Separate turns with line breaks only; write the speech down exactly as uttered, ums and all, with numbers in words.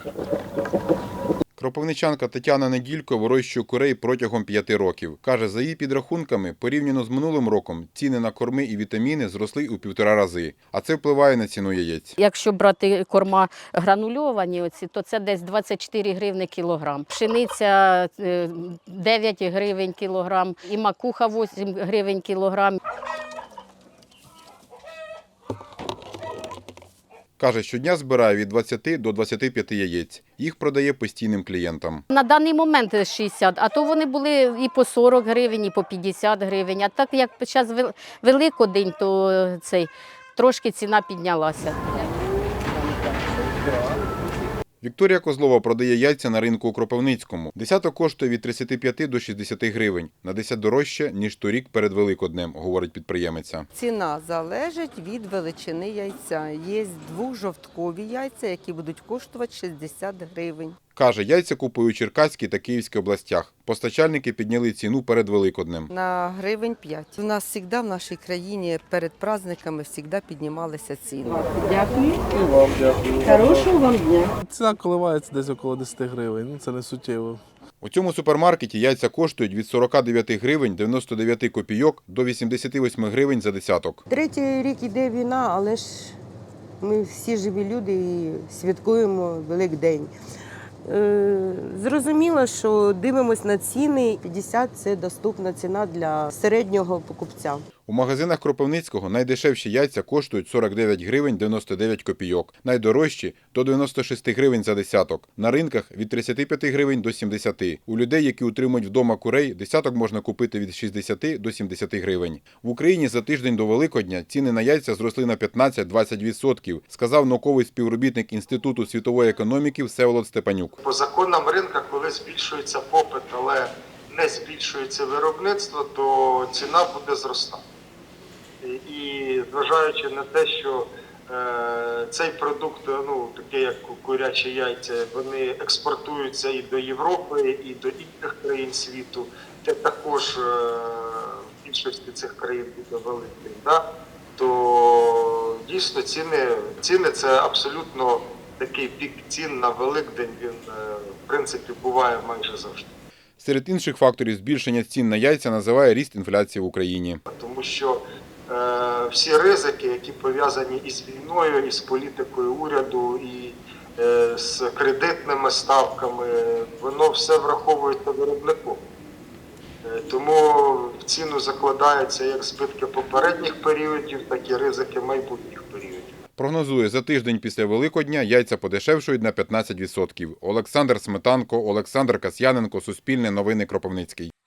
Кропивничанка Тетяна Неділько вирощує курей протягом п'яти років. Каже, за її підрахунками, порівняно з минулим роком, ціни на корми і вітаміни зросли у півтора рази. А це впливає на ціну яєць.
Якщо брати корма гранульовані, оці, то це десь двадцять чотири гривні кілограм. Пшениця е, дев'ять гривень кілограм, і макуха вісім гривень кілограм.
Каже, щодня збирає від двадцяти до двадцяти п'яти яєць. Їх продає постійним клієнтам.
На даний момент шістдесят, а то вони були і по сорок гривень, і по п'ятдесят гривень. А так як зараз Великодень, то цей, трошки ціна піднялася.
Вікторія Козлова продає яйця на ринку у Кропивницькому. Десяток коштує від тридцяти п'яти до шістдесяти гривень. На десять дорожче, ніж торік перед Великоднем, говорить підприємиця.
Ціна залежить від величини яйця. Є двохжовткові яйця, які будуть коштувати шістдесят гривень.
Каже, яйця купує у Черкаській та Київській областях. Постачальники підняли ціну перед Великоднем.
На гривень п'ять. У нас завжди в нашій країні перед праздниками завжди піднімалися ціни.
Дякую.
І вам дякую.
Хорошого вам дня.
Ціна коливається десь около десяти гривень, ну це не суттєво.
У цьому супермаркеті яйця коштують від сорока дев'яти гривень дев'яносто дев'ять копійок до вісімдесяти восьми гривень за десяток.
Третій рік іде війна, але ж ми всі живі люди і святкуємо Великдень. Е, Зрозуміло, що дивимося на ціни. п'ятдесят – це доступна ціна для середнього покупця.
У магазинах Кропивницького найдешевші яйця коштують сорок дев'ять гривень дев'яносто дев'ять копійок, найдорожчі – до дев'яноста шести гривень за десяток. На ринках – від тридцяти п'яти гривень до сімдесяти. У людей, які утримують вдома курей, десяток можна купити від шістдесяти до сімдесяти гривень. В Україні за тиждень до Великодня ціни на яйця зросли на п'ятнадцять - двадцять відсотків, сказав науковий співробітник Інституту світової економіки Всеволод Степанюк.
По законам ринку, коли збільшується попит, але не збільшується виробництво, то ціна буде зростати. І зважаючи на те, що е, цей продукт, ну, такий як курячі яйця, вони експортуються і до Європи, і до інших країн світу, це також е, в більшості цих країн буде великий, да? То дійсно ціни, ціни це абсолютно такий пік цін на Великдень, він в принципі буває майже завжди.
Серед інших факторів збільшення цін на яйця називає ріст інфляції в Україні.
Тому що е, всі ризики, які пов'язані із війною, із політикою уряду, і е, з кредитними ставками, воно все враховується виробником. Е, тому в ціну закладаються як збитки попередніх періодів, так і ризики майбутніх періодів.
Прогнозує, за тиждень після Великодня яйця подешевшують на п'ятнадцять відсотків. Олександр Сметанко, Олександр Касьяненко, Суспільне новини, Кропивницький.